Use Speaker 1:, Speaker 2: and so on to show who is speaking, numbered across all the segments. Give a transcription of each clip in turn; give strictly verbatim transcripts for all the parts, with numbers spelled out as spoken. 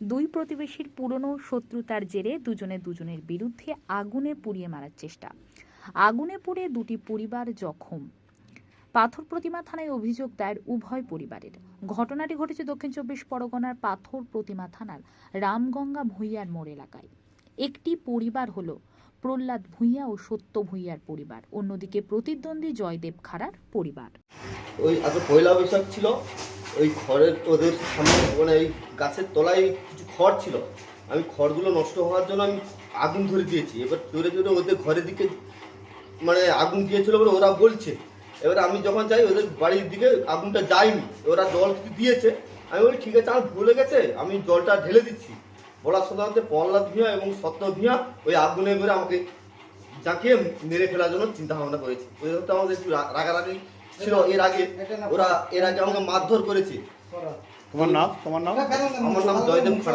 Speaker 1: দুই প্রতিবেশীর পুরনো শত্রুতার জেরে দুজনে দুজনের বিরুদ্ধে আগুনে পুড়িয়ে মারার চেষ্টা। আগুনে পুড়ে দুটি পরিবার জখম। পাথর প্রতিমা থানায় অভিযোগ দায়ের উভয় পরিবারের। ঘটনাটি ঘটেছে দক্ষিণ চব্বিশ পরগনার পাথর প্রতিমা থানার রামগঙ্গা ভূঁইয়ার মোড় এলাকায়। একটি পরিবার হলো প্রহ্লাদ ভূঁইয়া ও সত্য ভূঁইয়ার পরিবার, অন্যদিকে প্রতিদ্বন্দ্বী জয়দেব খাড়ার পরিবার।
Speaker 2: ওই আজ পয়লা বৈশাখ ছিল, ওই খড়ের ওদের সামনে মানে এই গাছের তলায় কিছু খড় ছিল, আমি খড়গুলো নষ্ট হওয়ার জন্য আমি আগুন ধরে দিয়েছি। এবার জোরে জোরে ওদের ঘরের দিকে মানে আগুন দিয়েছিল বলে ওরা বলছে। এবার আমি যখন যাই ওদের বাড়ির দিকে আগুনটা যায়নি, ওরা জল কিছু দিয়েছে। আমি বলি ঠিক আছে, আমার ভুলে গেছে, আমি জলটা ঢেলে দিচ্ছি। বলার সাথে সাথে প্রহ্লাদ ভূঁইয়া এবং সত্য ভূঁইয়া ওই আগুনে করে আমাকে জাঁকিয়ে মেরে ফেলার জন্য চিন্তা ভাবনা করেছি। ওই তো আমাদের একটু রাগারাগি ছিল এর আগে, ওরা এর আগে আমাকে মারধর করেছে।
Speaker 3: তোমার নাম? তোমার নাম?
Speaker 2: আমার নাম জয়দেব খাড়া।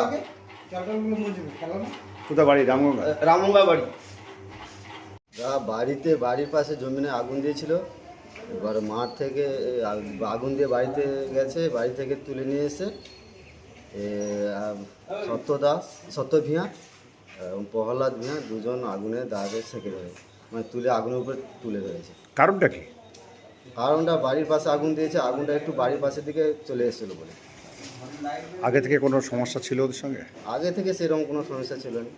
Speaker 3: কোথায় বাড়ি? রামগঙ্গা?
Speaker 2: রামগঙ্গা বাড়ি।
Speaker 4: বাড়িতে বাড়ির পাশে জমিনে আগুন দিয়েছিল। এবার মাঠ থেকে আগুন দিয়ে বাড়িতে গেছে, বাড়ি থেকে তুলে নিয়ে এসে সত্য দাস সত্য ভূঁইয়া এবং প্রহ্লাদ ভূঁইয়া দুজন আগুনে দাঁড়ে সেঁকে ধরে মানে তুলে আগুনের উপরে তুলে ধরেছে।
Speaker 3: কারণটা কি?
Speaker 4: কারণটা বাড়ির পাশে আগুন দিয়েছে, আগুনটা একটু বাড়ির পাশের দিকে চলে এসেছিলো বলে।
Speaker 3: আগে থেকে কোনো সমস্যা ছিল ওদের সঙ্গে?
Speaker 4: আগে থেকে সেরকম কোনো সমস্যা ছিল না।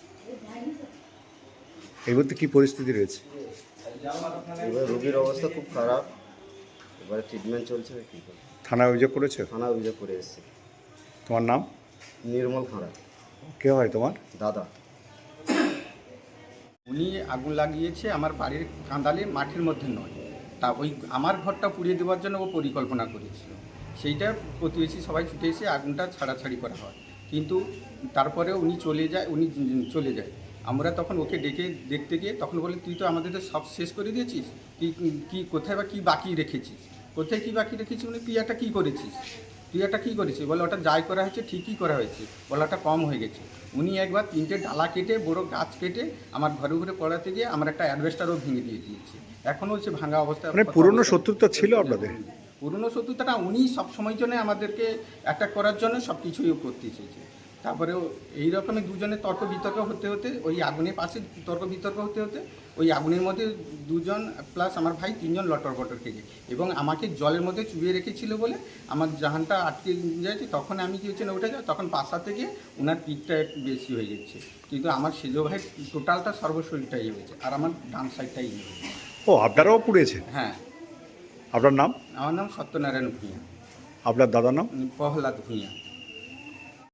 Speaker 3: এই মুহূর্তে কী পরিস্থিতি রয়েছে?
Speaker 4: এবার রোগীর অবস্থা খুব খারাপ, এবারে ট্রিটমেন্ট চলছে। কী করে
Speaker 3: থানায় অভিযোগ করেছে?
Speaker 4: থানা অভিযোগ করে এসেছে।
Speaker 3: তোমার নাম?
Speaker 4: নির্মল খাঁড়া।
Speaker 3: কে হয় তোমার?
Speaker 4: দাদা।
Speaker 5: উনি আগুন লাগিয়েছে আমার বাড়ির কাঁদালে, মাঠের মধ্যে নয়। তা ওই আমার ঘরটা পুড়িয়ে দেওয়ার জন্য ও পরিকল্পনা করেছিল। সেইটা প্রতিবেশী সবাই ছুটে এসে আগুনটা ছাড়াছাড়ি করা হয়, কিন্তু তারপরে উনি চলে যায় উনি চলে যায় আমরা তখন ওকে ডেকে দেখতে গিয়ে তখন বলে, তুই তো আমাদের সব শেষ করে দিয়েছিস, কি কি কোথায় বা কী বাকি রেখেছিস, কোথায় কী বাকি রেখেছিস মানে তুই একটা কী করেছিস, তুই একটা কী করেছিস বলে, ওটা যাই করা হয়েছে ঠিকই করা হয়েছে, বলে ওটা কম হয়ে গেছে। উনি একবার তিনটে ডালা কেটে বড় গাছ কেটে আমার ঘরে ঘরে পড়াতে গিয়ে আমার একটা অ্যাডভেস্টারও ভেঙে দিয়ে দিয়েছে। এখনও হচ্ছে ভাঙা অবস্থা।
Speaker 3: মানে পুরনো শত্রুতা ছিল আপনাদের?
Speaker 5: পুরনো শত্রুতাটা উনি সব সময়ের জন্য আমাদেরকে অ্যাটাক করার জন্য সব কিছুই করতে চেয়েছে। তারপরেও এই রকমই দুজনের তর্ক বিতর্ক হতে হতে ওই আগুনের পাশে তর্ক বিতর্ক হতে হতে ওই আগুনের মধ্যে দুজন প্লাস আমার ভাই তিনজন লটর বটর খেয়ে যায় এবং আমাকে জলের মধ্যে চুবিয়ে রেখেছিল বলে আমার জাহানটা আটকে যাচ্ছে। তখন আমি কি হচ্ছে না উঠে যাই, তখন পাশা থেকে ওনার পিঠটা একটু বেশি হয়ে যাচ্ছে, কিন্তু আমার সেজো ভাই টোটালটা সর্বশরীরটাই হয়েছে আর আমার ডান সাইডটাই হয়েছে।
Speaker 3: ও, আপনারাও পুড়েছে?
Speaker 5: হ্যাঁ।
Speaker 3: আপনার নাম?
Speaker 5: আমার নাম সত্যনারায়ণ ভূঁইয়া।
Speaker 3: আপনার দাদার নাম?
Speaker 5: প্রহ্লাদ ভূঁইয়া।